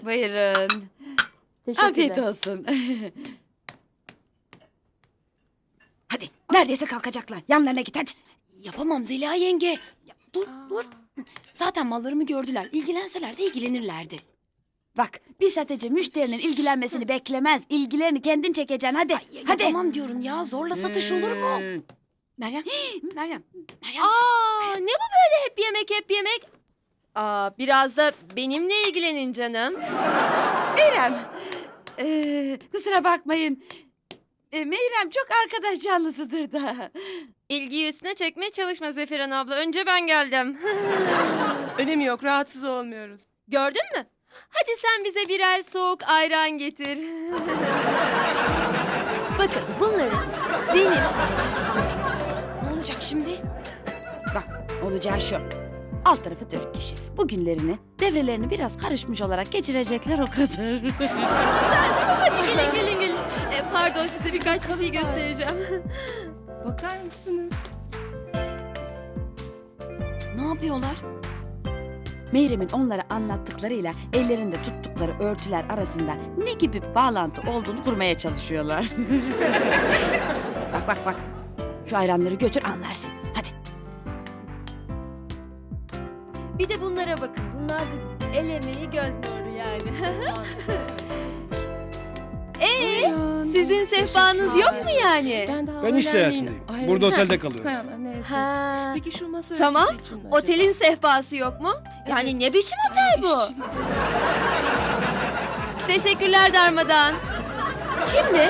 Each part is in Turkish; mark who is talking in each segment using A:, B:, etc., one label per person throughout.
A: Buyurun. Afiyet olsun. Hadi neredeyse kalkacaklar. Yanlarına git hadi.
B: Yapamam Zeliha yenge. Ya, dur. Zaten mallarımı gördüler. İlgilenseler de ilgilenirlerdi.
A: Bak bir satıcı müşterinin ilgilenmesini beklemez. İlgilerini kendin çekeceksin hadi. Hadi.
B: Yapamam diyorum ya. Zorla satış olur mu? Meryem. Meryem.
C: Aa, ne bu böyle hep yemek? Aa, biraz da benimle ilgilenin canım.
A: Meyrem. Kusura bakmayın. Meyrem çok arkadaş canlısıdır da.
C: İlgiyi üstüne çekmeye çalışma Zeferan abla. Önce ben geldim.
D: Önemi yok, rahatsız olmuyoruz.
C: Gördün mü? Hadi sen bize birer soğuk ayran getir.
B: Bakın bunları benim. Ne olacak şimdi?
A: Bak olacağı şu. Alt tarafı 4 kişi. Bu günlerini, devrelerini biraz karışmış olarak geçirecekler o kadar.
C: Hadi gelin. Pardon size birkaç bir şey göstereceğim.
D: Bakar mısınız?
B: Ne yapıyorlar?
A: Meyrem'in onlara anlattıklarıyla ellerinde tuttukları örtüler arasında ne gibi bir bağlantı olduğunu kurmaya çalışıyorlar. Bak. Şu ayranları götür anlarsın. Hadi.
C: Bir de bunlara bakın. Bunlar da el emeği göz nuru yani. Sizin sehpanız yok mu yani?
E: Ben iş seyahatindeyim. Burada otelde kalıyorum.
C: Ha.
D: Peki şu masa
C: Tamam.
D: örtüsü için acaba?
C: Otelin sehpası yok mu? Yani
D: Evet.
C: ne biçim otel bu? Teşekkürler Darmadan. Şimdi...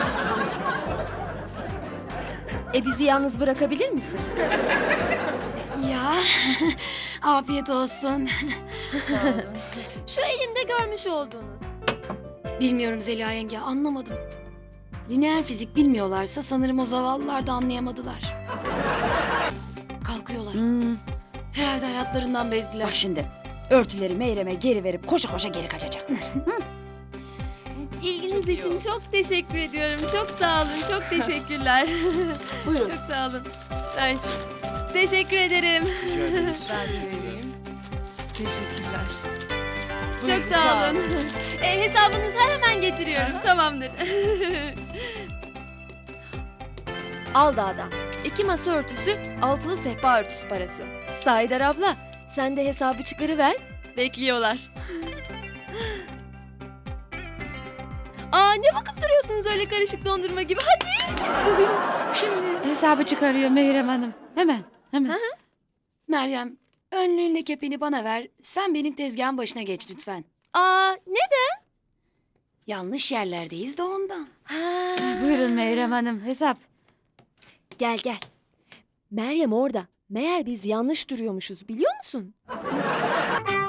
C: bizi yalnız bırakabilir misin?
B: Ya afiyet olsun.
C: Şu elimde görmüş olduğunuz.
B: Bilmiyorum Zeliha yenge, anlamadım. Lineer fizik bilmiyorlarsa sanırım o zavallılar da anlayamadılar. Kalkıyorlar. Herhalde hayatlarından bezdiler.
A: Bak şimdi. Örtüleri Meyrem'e geri verip koşa koşa geri kaçacaklar.
C: İlginiz için çok teşekkür ediyorum. Çok sağ olun. Çok teşekkürler.
B: Buyurun.
C: Çok sağ olun. Nice. Teşekkür ederim.
D: Teşekkürler.
C: Çok sağ olun. Hesabınızı hemen getiriyorum. Tamamdır. Aldağ'dan 2 masa örtüsü, altılı sehpa örtüsü parası. Sahidar abla, sen de hesabı çıkarıver. Bekliyorlar. Aa, ne bakıp duruyorsunuz öyle karışık dondurma gibi? Hadi.
A: Şimdi hesabı çıkarıyor Meyrem Hanım. Hemen.
B: Meryem, önlüğünle kepeni bana ver. Sen benim tezgahın başına geç lütfen.
C: Aa, ne?
B: Yanlış yerlerdeyiz de ondan.
C: Ha.
A: Buyurun Meyrem Hanım hesap.
C: Gel. Meryem orada. Meğer biz yanlış duruyormuşuz biliyor musun?